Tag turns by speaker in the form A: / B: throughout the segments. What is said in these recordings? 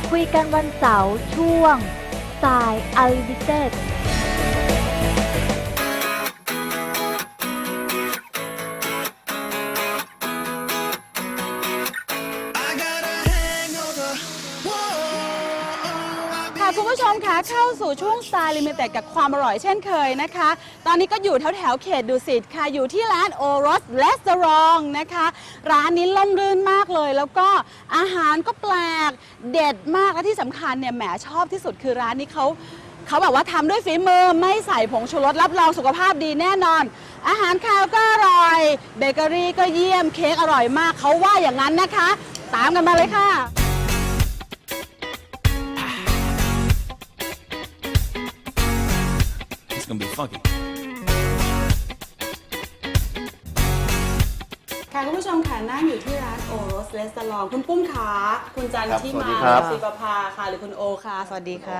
A: คุยกันวันเสาร์ช่วงสายอัลลิเต็ด
B: คุณผู้ชมคะเข้าสู่ช่วง Style Limited กับความอร่อยเช่นเคยนะคะตอนนี้ก็อยู่แถวเขตดุสิตค่ะอยู่ที่ร้านโอรสรีสอร์ทนะคะร้านนี้ล่มรื่นมากเลยแล้วก็อาหารก็แปลกเด็ดมากและที่สำคัญเนี่ยแหมชอบที่สุดคือร้านนี้เขาแบบว่าทำด้วยฝีมือไม่ใส่ผงชูรสรับรองสุขภาพดีแน่นอนอาหารคาวก็อร่อยเบเกอรี่ก็เยี่ยมเค้กอร่อยมากเขาว่าอย่างนั้นนะคะตามกันมาเลยค่ะ
C: Gonna be funky.
B: ค่ะคุณผู้ชมค่ะนั่งอยู่ที่ร้านโอรสรีสอร์ทคุณปุ้มขาคุณจันที่มาศิปภาค่ะหรือคุณโอค่ะสวัสดีค่ะ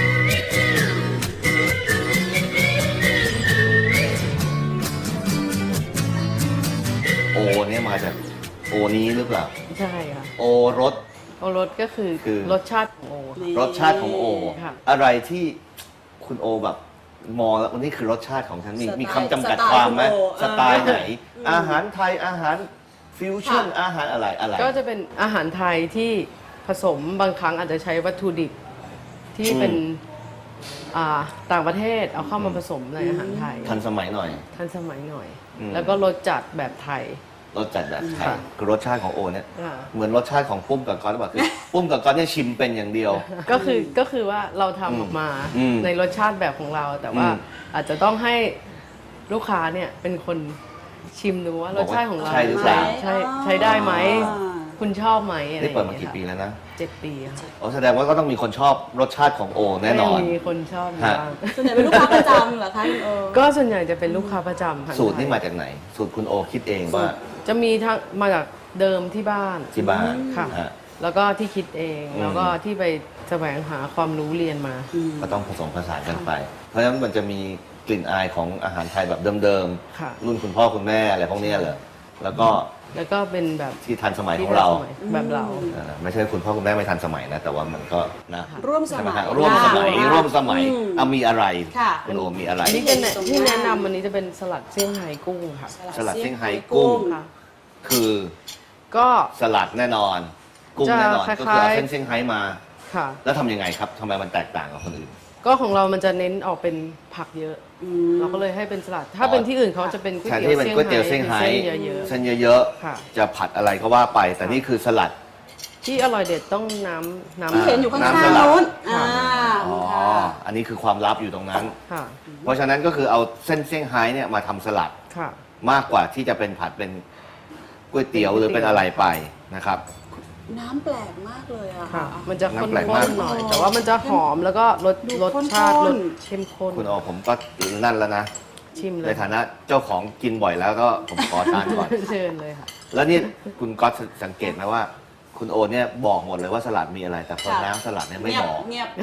D: โอเนี่ยมาจากโอนี้หรือเปล่า
E: ใช่ค่ะ
D: โอรส
E: โอรสก็คือรสชาติของโอ
D: รสชาติของโออะไรที่คุณโอแบบมองแล้ววันนี้คือรสชาติของฉันมีคำจำกัดความไหมสไตล์ไหนอาหารไทยอาหารฟิวชั่นอาหารอะไร
E: ก็จะเป็นอาหารไทยที่ผสมบางครั้งอาจจะใช้วัตถุดิบที่เป็นต่างประเทศเอาเข้ามาผสมในอาหารไทย
D: ทันสมัยหน่อย
E: แล้วก็รสจัดแบบไทย
D: รสจัดแบบไทยคือรสชาติของโอเนี่ยเหมือนรสชาติของปุ้มกับก๊อตหรือเปล่าคือปุ้มกับก๊อตเนี่ยชิมเป็นอย่างเดียว
E: ก็คือว่าเราทำออกมาในรสชาติแบบของเราแต่ว่าอาจจะต้องให้ลูกค้าเนี่ยเป็นคนชิมดูว่ารสชาติของเรา
D: ใช่หรือเปล่า
E: ใช้ได้ไหมคุณชอบไหม
D: นี่เปิดมากี่ปีแล้วนะ
E: 7 ปีค่ะ
D: แสดงว่าก็ต้องมีคนชอบรสชาติของโอแน่นอน
E: มีคนชอบบ้าง
B: ส่วนใหญ่เป็นลูกค้าประจำเหรอคะคุณโอ
E: ก็ส่วนใหญ่จะเป็นลูกค้าประจำ
D: สูตรนี่มาจากไหนสูตรคุณโอคิดเองว่า
E: จะมีทั้งมาจากเดิมที่บ้านค่ะแล้วก็ที่คิดเองแล้วก็ที่ไปแสวงหาความรู้เรียนมา
D: ก็ต้องผสมผสานกันไปเพราะฉะนั้นมันจะมีกลิ่นอายของอาหารไทยแบบเดิมๆรุ่นคุณพ่อคุณแม่อะไรพวกนี้เหรอแล้วก็
E: เป็นแบบ
D: ที่ทันสมัยของเรา
E: แบบเรา
D: ไม่ใช่คุณพ่อคุณแม่ไม่ทันสมัยนะแต่ว่ามันก็นะ
B: ร่วมสมัย
D: มีอะไรคุณโอมีอะไร
E: ที่แนะนำวันนี้จะเป็นสลัดเซี่ยงไฮ้กุ้งค่ะ
D: สลัดเซี่ยงไฮ้กุ้งคือก็สลัดแน่นอนกุ้งแน่นอนก็คือเอาเส้นเซี่ยงไฮ้มาแล้วทำยังไงครับทำไมมันแตกต่างกับคนอื่น
E: ก็ของเรามันจะเน้นออกเป็นผักเยอะเราก็เลยให้เป็นสลัดถ้าเป็นที่อื่นเขาจะเป็นก๋วยเ
D: ตี๋ยวเซี่ยงไฮ้เส้นเยอะๆจะผัดอะไรก็ว่าไปแต่นี่คือสลัด
E: ที่อร่อยเด็ดต้องน้ำ
B: เห็นอยู่ข้างๆโน้น
D: อันนี้คือความลับอยู่ตรงนั้นเพราะฉะนั้นก็คือเอาเส้นเซี่ยงไฮ้เนี่ยมาทำสลัดมากกว่าที่จะเป็นผัดเป็นก๋วยเตี๋ยวหรือเป็นอะไรไปนะครับ
B: น้ำแปลกมากเลยอะ
E: ค่ะมันจะข้นๆหน่อยแต่ว่ามันจะหอมแล้วก็รสชาติรสเข้มข้น
D: คุณผมก็นั่นแล้วนะ
E: ชิมเลย
D: ในฐานะเจ้าของกินบ่อยแล้วก็ผมขอทานก่อน
E: เชิญเลยค่ะ
D: แล้วนี่คุณก๊อตสังเกตไหมว่าคุณโอเนี่ยบอกหมดเลยว่าสลัดมีอะไรแต่พอน้ำสลัดเนี่ยไม่บอก
B: เงียบ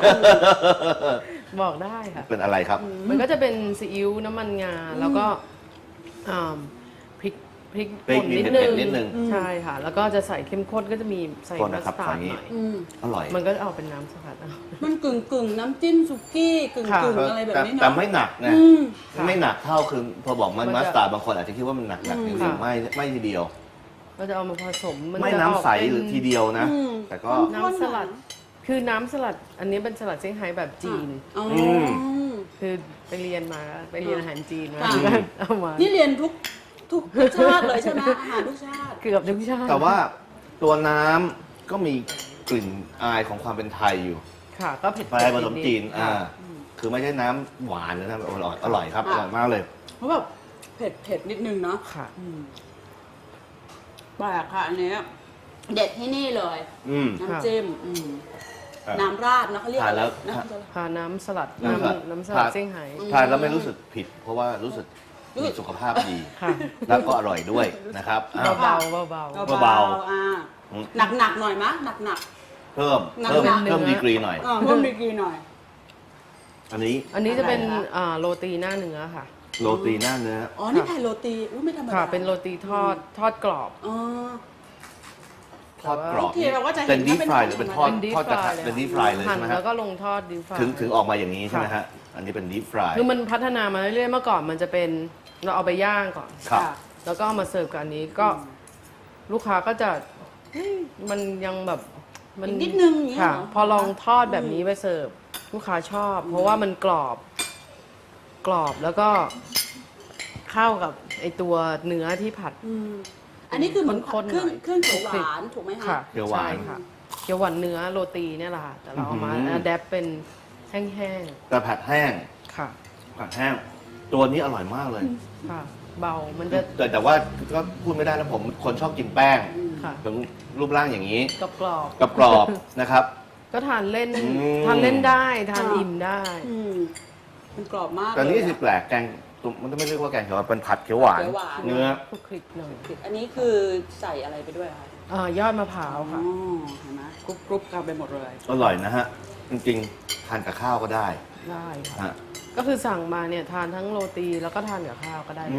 E: บอกได้ค่ะ
D: เป็นอะไรครับ
E: มันก็จะเป็นซีอิ๊วน้ำมันงาแล้วก็พริกป่นนิดนึงใช่ค่ะแล้วก็จะใส่เข้มข้นก็จะมีใส่มัสตาร์ดหน่อย
D: อร่อย
E: มันก็เอาเป็นน้ำสลัด
B: มันกึ่งน้ำจิ้มสุกี้กึ่งอะไรแบบนี้เนาะ
D: แต่ไม่หนักนะไม่หนักเท่าคือพอบอกมันมัสตาร์ดบางคนอาจจะคิดว่ามันหนักจริงๆไม่ทีเดียว
E: เราจะเอามาผสม
D: ไม่น้ำใสหรือทีเดียวนะแต่ก็
E: น้ำสลัดคือน้ำสลัดอันนี้เป็นสลัดเซี่ยงไฮ้แบบจีนคือไปเรียนอาหารจีนมาเอามา
B: นี่เรียนทุกชาติเลยใช่ไหมอาหารทุกชาติ
E: เกือบทุกชาติ
D: แต่ว่าตัวน้ำก็มีกลิ่นอายของความเป็นไทยอยู่
E: ค่ะก็เผ็ด
D: ผสมจีนคือไม่ใช่น้ำหวานนะครับอร่อยครับอร่อยมากเลย
B: เพราะแบบเผ็ดนิดนึงเนาะ
E: ค่ะ
B: แปลกค่ะอันนี้เด็ดที่นี่เลยน้ำจิ้มน้ำราดนะเขาเรียก
D: แล้ว
E: น้ำสลัดน้ำสลัดเซี่ยงไฮ้
D: ทานแล้วไม่รู้สึกผิดเพราะว่ารู้สึกมีสุขภาพดีแล้วก็อร่อยด้วยนะครับ
E: เบา
B: หนักหน่อยมะหนัก
D: เพิ่มดีกรีหน่อยอัน
E: นี้จะเป็นโรตีหน้าเนื้อค่ะ
D: โรตีหน้าเนื้อ
B: นี่แผ่นโรตีไม่ธรรมดา
E: ค่ะเป็นโรตีทอดกรอบ
D: ทอดกรอบ
B: โอเคเราก็จะเห็น
D: เป็นดีฟฟรายหรือ
B: ว่าเป็
D: เป็น
B: น
D: ทอด
E: เป็น deep
D: ทอดกระทะ
E: fry เลย
D: เป็นดีฟฟรายเลย
E: หั่
D: ใช่
E: น
D: ไหม
E: แล้
D: ฮะ
E: วก็ลงทอดดีฟราย
D: ถึงออกมาอย่างนี้ใช่ไหมฮะอันนี้เป็นดีฟฟราย
E: คือมันพัฒนามาเรื่อยๆเมื่อก่อนมันจะเป็นเราเอาไปย่างก่อน
D: ครับ
B: ค่ะ
E: แล้วก็เอามาเสิร์ฟกับอันนี้ก็ลูกค้าก็จะเฮ้ยมันยังแบบมั
B: อีกนิดนึงอย่างเงี้ย
E: ค่ะ
B: เหรอ
E: พอลองทอดแบบนี้ไปเสิร์ฟลูกค้าชอบ เพราะว่ามันกรอบแล้วก็เข้ากับไอตัวเนื้อที่ผัด
B: อันนี้คือเหมือน
E: ข้นๆ
B: เครื่อง
E: หน่อย
B: เครื่องเขียวหวานถูกไหม
E: ค่ะ
B: คะ
D: เขียวหวาน
E: ใช่ค่ะเขียวหวานเนื้อโรตีเนี่ยแหละค่ะแต่เราเอามา
D: อื้อหือ
E: อัดแอปเป็นแห้ง
D: แต่ผัดแห้ง
E: ๆค่ะ
D: ผัดแห้งตัวนี้อร่อยมากเลย
E: ค่ะ เบามันจะ
D: แต่ว่าก็พูดไม่ได้นะผมคนชอบกินแป้ง
E: ค่ะ
D: ถึงรูปร่างอย่างนี้
E: กรอบ
D: กรอบๆนะครับ
E: ๆก็ทานเล่น
D: อืม
E: ทานเล่นได้ทานอิ่มได้
B: อืมมันกรอบมาก
D: แต่นี่
B: เลย
D: คือแปลกแกงมันจะไม่เรียกว่าแกงเขียวหวานเป็นผัดเขียวหวาน
B: เขียวหวาน
D: เนื้อ
E: คลุกคลิกหน่อย
B: อันนี้คือใส่อะไรไปด้วยคะ
E: ยอดมะพร้าว
B: อ๋อ
E: ค่ะ
B: เห็นไหมกรุบกันไปหมดเลย
D: อร่อยนะฮะ จริงๆ ทานกับข้าวก็ได้
E: ได้ค่ะ
D: ฮะ
E: ก็คือสั่งมาเนี่ยทานทั้งโรตีแล้วก็ทานกับข้าวก็ได้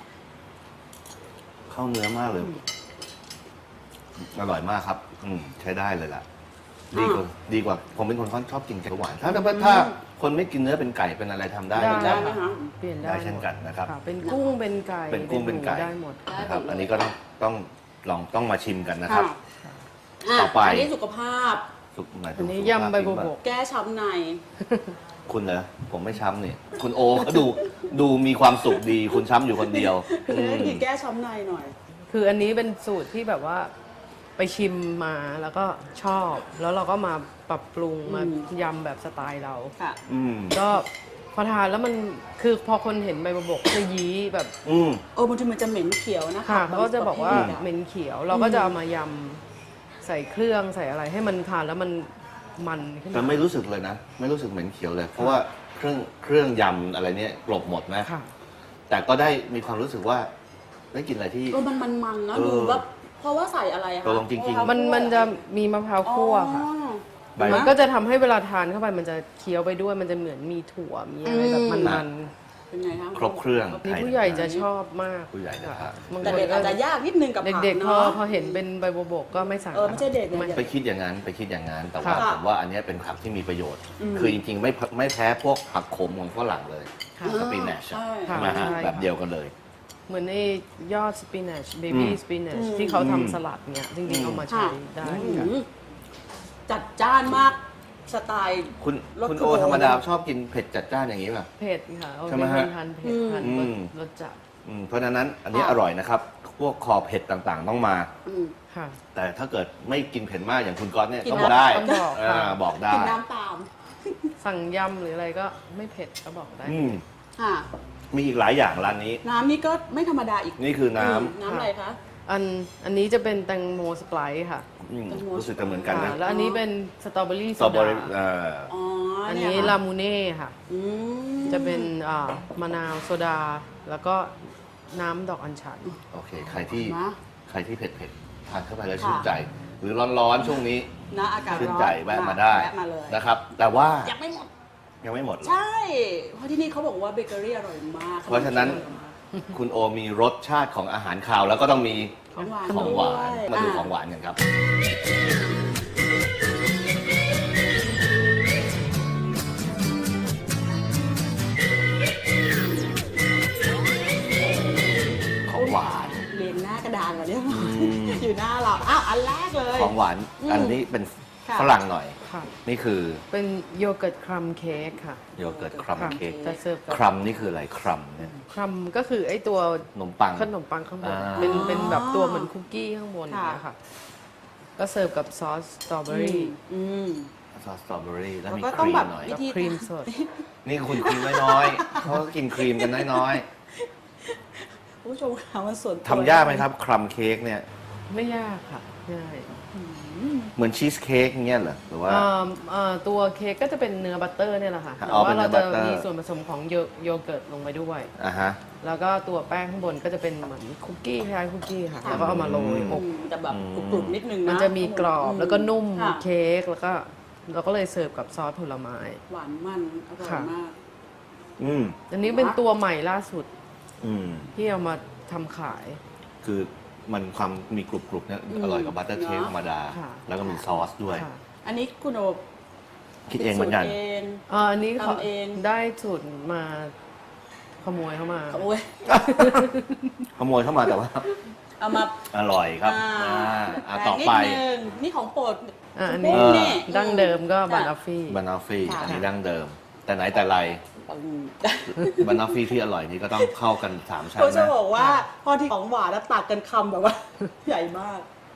D: เข้าเนื้อมากเลย อร่อยมากครับ ใช้ได้เลยล่ะ ดีกว่า ผมเป็นคนชอบกินไก่หวาน ถ้าคนไม่กินเนื้อเป็นไก่เป็นอะไรทำได้
E: ได้
B: ได้ไหมคะ
E: เปลี่ยนได้
D: ได้เช่นกันนะครับ
E: ค่ะเป็นกุ้งเป็นไก่
D: เป็นกุ้งเป็นไก่
E: หมูได้หมด
D: นะครับ
B: ได้หมดเลย
D: อันนี้ก็ต้องมาชิมกันนะครับ
B: ะ
D: ต่อไป
B: อันนี้สุขภาพ
D: สุกหมายถึ
E: อั
D: ง
E: นนี้
D: สุขภาพ
E: ยำใบบัวบก
B: แก้ช้ำใน
D: คุณเหรอผมไม่ช้ำนี่คุณโอเขาดูมีความสุขดี คุณช้ำอยู่คนเดียว
B: คือแก้ช้ำในหน่อย
E: คืออันนี้เป็นสูตรที่แบบว่าไปชิมมาแล้วก็ชอบ แล้วเราก็มาปรับปรุงมายำแบบสไตล์เรา
B: ค่ะ
D: อืม
E: ก็พอทานแล้วมันคือพอคนเห็นใบบัวบกจะยี้แบบ
D: อืม
B: บางทีมันจะเหม็นเขียวนะคะ
E: ค่ะเขาก็จะบอกว่า
B: บงประภทะ
E: เหม็นเขียว เราก็จะเอามายำใส่เครื่องใส่อะไรให้มันทานแล้วมันขึ้น
D: แต่
E: มา
D: ไม่รู้สึกเลยนะ ไม่รู้สึกเหม็นเขียวเลย เพราะว่าเครื่องยำอะไรเนี่ยกลบหมดนะ
E: ค่ะ
D: แต่ก็ได้มีความรู้สึกว่าได้กินอะไรที่
B: มันๆนะ
D: เออ
B: ดูว่าเพราะว่าใส่อะไรอะคะ
D: ตกลงจริงๆ
E: มันจะมีมะพร้าวคั่วค่ะ
B: อ๋อ
D: ใบ
E: มันก็จะทำให้เวลาทานเข้าไปมันจะเคี้ยวไปด้วยมันจะเหมือนมีถั่วมีอะไรแบบมัน
B: เป็นไงคะ
D: ครบเครื่อง
E: ๆนี่ผู้ใหญ่จะชอบมาก
D: ผู้ใหญ่นะครับ
E: บาง
B: แต่
E: คน
B: เด็ก
E: ก็
B: อาจจะยากนิดนึงกับผัก
E: เด็กๆพอ
B: เนาะ
E: พอเห็นเป็นใบบัวบกก็ไม่สั่ง
B: ไม่ใช่เด็กเนี่ย
D: ไปคิดอย่างนั้นแต่ว่า
B: ค่ะ
D: ผมว่าอันเนี้ยเป็นผักที่มีประโยชน์
B: อืม
D: คือจริงๆไม่แพ้พวกผักขมของฝรั่งเลย
E: ค่ะ
D: สปินัช
B: ใช่
D: ใช่ไหมฮะ
E: ใช่
D: แบบเดียวกันเลย
E: เหมือนไอ้ยอดสปินัชเบบี้สปินัชที่เขาทำสลัดเนี่ยจริงๆเอามาใช้ได้
B: อื
E: ค่ะ
B: มจัดจ้านมากสไตล์
D: คุณ
B: รส
D: คุณ
B: คือ
D: โอ
B: โบ
D: ธรรมดาชอบกินเผ็ดจัดจ้านอย่างนี้ป่ะ
E: เผ็ดค่ะเอา
D: ใช่ไหม
E: เป็น
D: ฮะ
E: คนทานเผ็ดทาน
D: อืม
E: รสจัด
D: เพราะฉะนั้นอันนี้อร่อยนะครับ พวกคอเผ็ดต่างๆต้องมา
B: อืม
E: ค่ะ
D: แต่ถ้าเกิดไม่กินเผ็ดมากอย่างคุณก๊อตเนี่ย
B: กิน
D: ต้องบอกได้
E: ต้องบอกค่ะ
D: บอกได้
B: กินน้ำตาม
E: สั่งยำหรืออะไรก็ไม่เผ็ดก็บอกได้
D: อืม
B: ค่ะ
D: มีอีกหลายอย่างร้านนี้
B: น้ำนี่ก็ไม่ธรรมดาอีก
D: นี่คือน้
B: น้ำอะไรคะ
E: อันนี้จะเป็นแตงโมสไปร์ค่ะ
D: ำรู้สึกจะเหมือนกันนะ
E: ค่ะแล้วอันนี้เป็นสตรอเบอรี่
D: ส
E: โซ
D: ตรอเบอ
E: ดา
D: รี่
B: อ๋อ
E: อั
B: อั
E: นนี้ลามูเน่ค่ะ จะเป็นมะนาวโซดา แล้วก็น้ำดอกอัญชัน
D: โอเค ใครที่
B: นะ
D: เผ็ดๆทานเข้าไปแล้ว
B: ค่ะ
D: ชื่นใจ หรือร้อนๆช่วงนี้
B: นะอากาศ
D: ชื่น
B: ร้อน
D: ใจแวะมาได้
B: แวะมาเลย
D: นะครับ แต่ว่า
B: ยังไม่หมด
D: ยังไม่หมด
B: ใช่ เพราะที่นี่เขาบอกว่าเบเกอรี่อร่อยมาก
D: เพราะฉะนั้น คุณโอมีรสชาติของอาหารคาวแล้วก็ต้องมี
B: ของหวาน
D: ของหวาน
B: ด้วย
D: มาดู
B: ะ
D: ของหวานกันครับ ของหวาน
B: เรียงหน้ากระดานก่อนเนี่ยอยู่หน้าเราอ้าวอันแรกเลย
D: ของหวาน
B: อืม
D: อันนี้เป็น
B: ค่ะ
D: ฝรั่งหน่อย
E: ค่ะ
D: นี่คือ
E: เป็นโยเกิร์ตครัมเค้กค่ะ
D: โยเกิร์ตครัม
E: ค่ะ
D: เค้ก
E: จะเสิร์ฟกับ
D: ครัมนี่คืออะไรครัมเนี่ย
E: ครัมก็คือไอ้ตัว
D: ขนมปัง
E: ขนมปังข้างบน
D: อ่า
E: เป็นแบบตัวเหมือนคุกกี้ข้างบนอย่างเงี้ยค่ะ ก็เสิร์ฟกับซอสสตรอเบอรี่
B: อืม
D: ซอสสตรอเบอรี่แล้ว
B: แล้ว
D: มี
B: ก็
D: ค
B: ต้อง
D: รีม
B: แบบ
D: หน่อย
B: วิ
E: กับ
B: ธี
E: ครีมสด
D: นี่คุณครีมน้อยๆเขาก็กินครีมกันน้อย
B: คุณผู้ชมค่ะมันส่วนตัว
D: ๆทำยากไหมครับครัมเค้กเนี่ย
E: ไม่ยากค่ะง่าย
D: เหมือนชีสเค้กอย่างเงี้ยเหรอหรือว่า
E: ตัวเค้กก็จะเป็นเนื้อบัตเตอร์เนี่ยแหละค่ะ
D: อ๋
E: แต่
D: อเป็น
E: ว่า
D: เนื้
E: เรา
D: อบั
E: จะ
D: ตเตอร์
E: มีส่วนผสมของโยเกิร์ตลงไปด้วย
D: อ่ะฮะ
E: แล้วก็ตัวแป้งข้างบนก็จะเป็นเหมือนคุกกี้คล้ายๆคุกกี้ค่ะ แล้วก็เอามาโรยอบ
B: แต่แบบกรุบๆนิดนึงนะ
E: มันจะมีกรอบแล้วก็นุ่ม
B: ค่ะ
E: เค้กแล้วก็เราก็เลยเสิร์ฟกับซอสผลไม้
B: หวานมันอร่อย
E: ค่ะ
B: มาก
D: อืม
E: อันนี้เป็นตัวใหม่ล่าสุด
D: อืม
E: ที่เอามาทำขาย
D: คือมันความมีกรุบๆเนี่ยอร่อยกับบัตเตอร์เค้กธรรมดา
E: ค่ะ
D: แล้วก็มีซอสด้วย
E: ค่ะ
B: อันนี้คุณโอ
D: คิดเองเหมือนกัน
B: สูตรเอง
E: อันนี้เขา
B: ทำเอง
E: ได้สูตรมาขโมยเข้ามา
B: โอ้ย
D: ขโมยเข้ามาแต่ว่า
B: เอามา
D: อร่อยครับ ต่อไป
B: นิดนึงนี่ของโปรด
E: อัน
B: คุณ
E: นี้
B: ปุ้มนี่
E: ดั้งเดิมก็
B: จ้ะ
E: บานอฟฟี่
D: บานาฟี่
B: ค่ะ
D: อันนี้ดั้งเดิม แต่ไหนแต่ไร บานาฟี่ที่อร่อยนี่ก็ต้องเข้ากัน3 ชั้น
B: เขาจะ
D: นะ
B: บอกว่าพอที่ของหวานแล้วตักกันคำแบบว่า ใหญ่มาก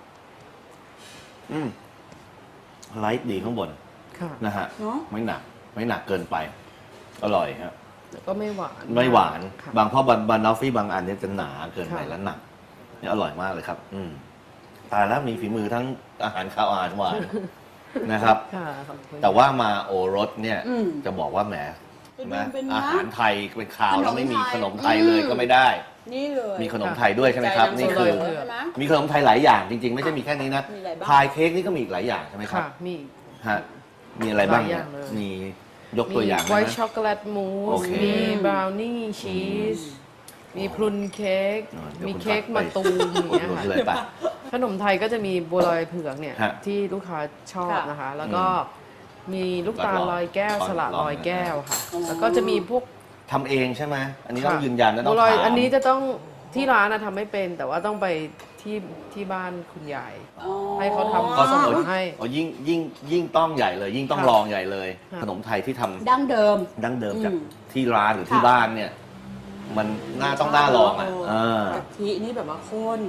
D: ไลท์ดีข้างบน
E: ค่ะ
D: นะฮะ
B: เนอะ
D: ไม่หนักเกินไป อร่อยฮะ
E: แล้วก็ไม่หวาน
D: ไม่หวาน
E: ค่ะ
D: บางเพราะบานาฟี่บางอันเนี่ยจะหนาเกินไป
E: ค่ะ
D: แล้วหนักนี่อร่อยมากเลยครับ ตายแล้วมีฝีมือทั้งอาหารข้าวอาหารหวาน นะครับ
E: ค่ะขอบคุณ
D: แต่ว่ามาโอรสเนี่ย
B: อืม
D: จะบอกว่าแหม
B: เป็น
D: นะ
B: เป็นนะ
D: อาหารไทยเป็นข่าว
B: ขนม
D: แล้วไม่มี
B: ไทย
D: ขนมไทยเลยก็ไม่ได้
B: นี่เลย
D: มีขนมไทยด้วยใช่ไหมครับ
B: ใจ
D: นี่คือ
B: ำใช่ไหม
D: มีขนมไทยหลายอย่างจริง ๆ ไม่ใช่มีแค่นี้นะ
B: มีอะไรบ้าง
D: พายเค้กนี่ก็มีอีกหลายอย่างใช่ไหมครับ
E: ค่ะ มี
D: ฮะมีอะไรบ้าง
E: หลายอ
D: เนี่ย
E: ย่างเลย
D: มียกตัวอย่าง
E: ไว
D: ได้
E: ท์
D: ไหม
E: ช็อกโกแลตมู
D: โอ
E: ส
D: เค
E: มีบราวนี่ชีส มีพรุนเค้ก
D: เดี๋ยว
E: มี
D: คุณ
E: เค้ก
D: ตั
E: มะ
D: ดไป
E: ตูมอย่าง
D: อุด
E: เงี้ย
D: หนุน
E: ค่ะ
D: เลยปะ
E: ขนมไทยก็จะมีบัวลอยเผือกเนี่ย
D: ฮะ
E: ที่ลูกค้าชอบ
B: ค่ะ
E: นะคะ แล้วก็มีลูกตาลลอยแก้ว
D: ลอย
E: สลัดลอยแก้วค่ะ
B: อ๋อ
E: แล้วก็จะมีพวก
D: ทำเองใช่ไหมอันนี้ต้อง
E: ค่ะ
D: ยืนยันนะต้
E: บั
D: อง
E: วลอย
D: ถาม
E: อันนี้จะต้องที่ร้านนะทำไม่เป็น แต่ว่าต้องไปที่บ้านคุณยาย
B: อ๋อ
E: ให้เขาทำ
D: ก็
E: ส
D: ต้อง
E: มุนให้
D: ยิ่งต้องใหญ่เลย ยิ่งต้อง
E: ค่ะ
D: ลองใหญ่เลย
E: ค่ะ
D: ขนมไทยที่ทำ
B: ดั้งเดิม
D: ดั้งเดิมจาก
B: อืม
D: ที่ร้านหรือที่
B: ค่ะ
D: บ้านเนี่ย มันน่าลองอ่ะ
B: โ
D: เออ
B: กะทินี่แบบว่าข้น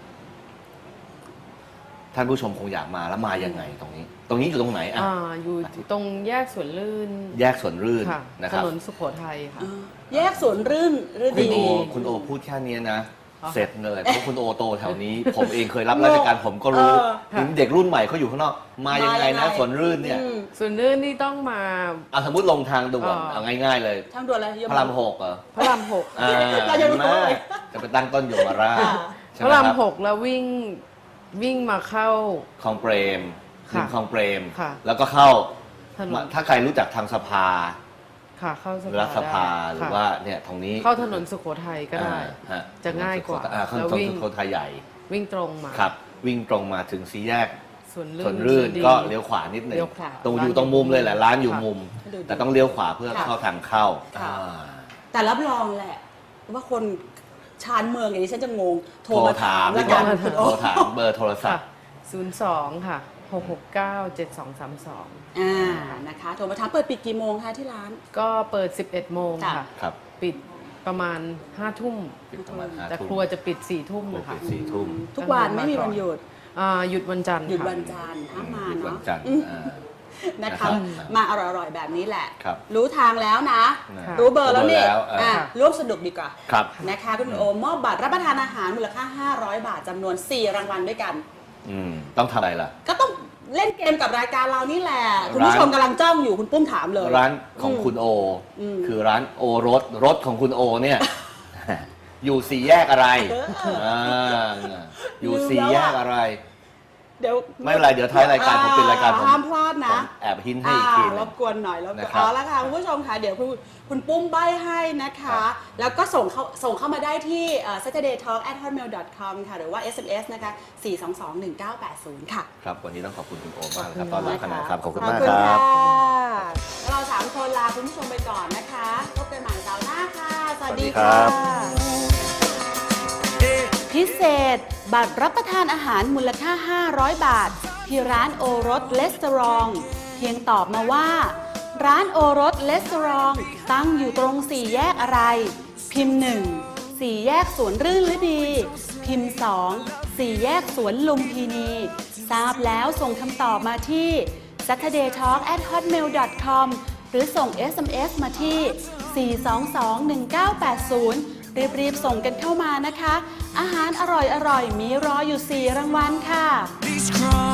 D: ท่านผู้ชมคงอยากมาแล้วมายังไงตรงนี้ ตรงนี้อยู่ตรงไหนอ่ะ
E: อยู่ตรงแยกสวนลื่น
D: แยกสวนรื่น
E: ค่ะ
D: นะค
E: ถ
D: รับ
E: นนสุโขทัยค่ะ
B: แยกสวนรื่นฤ
D: คุณ
B: ดี
D: คุณโอพูดแค่นี้นะ
E: อ๋อ
D: เสร็จเลยเพราะคุณโอโตแถวนี้ ผมเองเคยรับราชการผมก็รู้
E: ค่ะ
D: ถึงเด็กรุ่นใหม่เขาอยู่ข้างนอก มายังไงนะสวนรื่นเนี่ย
E: สวนลื่นนี่ต้องมา
D: เอาสมมติลงทางด่วน เอาง่ายๆเลย
B: ทางด่วนอะไรย
D: พระราม6เหรอ
E: พระรามหก
B: เรายังรู้
D: มา
B: เลย
D: จะไปตั้งต้นยมราช
B: ค่ะ
D: ใช่
E: พ
D: ไห
E: ระราม
D: คบ
E: หกแล้ววิ่งมาเข้า
D: คลองเปรม
E: ค่ะ
D: ริมคลองเปรม
E: ค่ะ
D: แล้วก็เข้า
E: ถนน
D: ถ้าใครรู้จักทางสภา
E: ค่ะเข้าส
D: รัฐสภา
E: ได้
D: หรือ
E: ค่ะ
D: ว่าเนี่ยตรงนี้
E: เข้าถนนสุโขทัยก็ได้
D: ฮะ
E: จะง่ายกว่า
D: ข้าง
E: แล้ว
D: ถน
E: วิ่
D: น
E: ง
D: สุโขทัยใหญ่
E: วิ่งตรงมา
D: ครับ วิ่งตรงมาถึงสี่แยก
E: สวน
D: สวนรื่น
E: ดี
D: ก็เลี้ยวขวานิดหนึ่ง
E: เลี้ยวขวา
D: ตรง
E: ร้าน
D: อยู่ตรงมุมเลยแหละร้านอยู่
E: ค่ะ
D: มุม
B: ดูดิ
D: แต่ต้องเลี้ยวขวาเพื่อ
B: ค่ะ
D: เข้าทางเข้า
B: ค่ะ
D: อ่า
B: แต่รับรองแหละ ว่าคนชานเมืองอย่างนี้ฉันจะงง โทร
D: โทร
B: มาถา
D: ถาม ม
B: แล้ว
D: ก่
B: กั
D: อน
B: น
D: โทรถามเบอร์โทรศั
E: ค่ะ
D: พท์
E: 02 ค่ะ 669 7232
B: นะคะ โทรมาถามเปิดปิดกี่โมงคะที่ร้าน
E: ก็เปิด 11 โมง
B: ค่ะ
E: ค่ะ
D: ครับ
E: ปิดประมาณ 5 ทุ่ม
D: ปิดประมาณ5
E: แต่
D: ทุ่ม
E: ครัวจะปิด 4 ทุ่ม
D: โอ
E: นะ
D: เค
E: คะ
D: 4 ทุ่ม
B: ทุกวันไม่มีวันหยุด
E: หยุดวันจันทร์
B: หยุด
E: ค่ะ
B: วันจันทร์ห้ามมา
D: หยุดวั
B: เนาะ
D: นจันทร์
B: อืม
D: อ่า
B: นะ
D: ครั
B: คะ
D: บ
B: มาอร่อยๆแบบนี้แหละ
D: ครับ
B: รู้ทางแล้วนะ
E: ค่ะ
B: รู้เบอร์แล้วนี่
D: รู้เบอร์แล้วอ่ะ
B: ร่วมสนุกดีกว่า
D: ครับ
B: นะคะคุณโอมมอบบัตรรับประทานอาหารมูลค่า 500 บาทจำนวน 4 รางวัลด้วยกัน
D: ต้องทำอะไรล่ะ
B: ก็ต้องเล่นเกมกับรายการเรานี่แหละ คุณผู้ชมกำลังจ้องอยู่คุณปุ้มถามเลย
D: ร้านของคุณโอ คือร้านโอรถของคุณโอเนี่ย อยู่สี่แยกอะไรอยู่สี่แยกอะไร
B: เดี๋ยว
D: ไม่เป็นไรเดี๋ยวท้ายรายการผมปิดรายการผม
B: ห้ามพลาดนะ
D: ผมแอบหินให้อีกทีหนึ
B: รง บกวนหน่อยแล้ว
D: นะครับ
B: เอาละค่ะคุณผู้ชมค่ะเดี๋ยวคุณปุ้มใบให้นะคะ แล้วก็ส่งเข้ามาได้ที่saturdaytalk@hotmail.com ค่ะหรือว่า SMS นะคะ 4221980 ค่ะ
D: ครับวันนี้ต้องขอบคุณคุณโอมากนะครับตอนรับคณะครับขอบคุณ
B: ขอบ
D: มาก
B: คุณ
D: ครั
B: ค่ะ
D: บ
B: แล้วเรา3คนลาคุณผู้ชมไปก่อนนะคะพบกันใหม่เสาร์หน้าค่ะ สวัสดี
D: สวัสดีครั
B: ค่ะ
D: บ
B: พิเศษ บัตรรับประทานอาหารมูลค่า 500 บาท ที่ร้านโอรสเลสเตอรองเพียงตอบมาว่า ร้านโอรสเลสเตอรองตั้งอยู่ตรง4แยกอะไร พิมพ์ 1 4 แยกสวนรื่นฤดี พิมพ์ 2 4 แยกสวนลุมพินี ทราบแล้วส่งคำตอบมาที่ saturdaytalk@hotmail.com หรือส่ง SMS มาที่ 4221980 รีบๆส่งกันเข้ามานะคะ อาหารอร่อยๆ มีรออยู่ 4 รางวัลค่ะ
C: Please cry.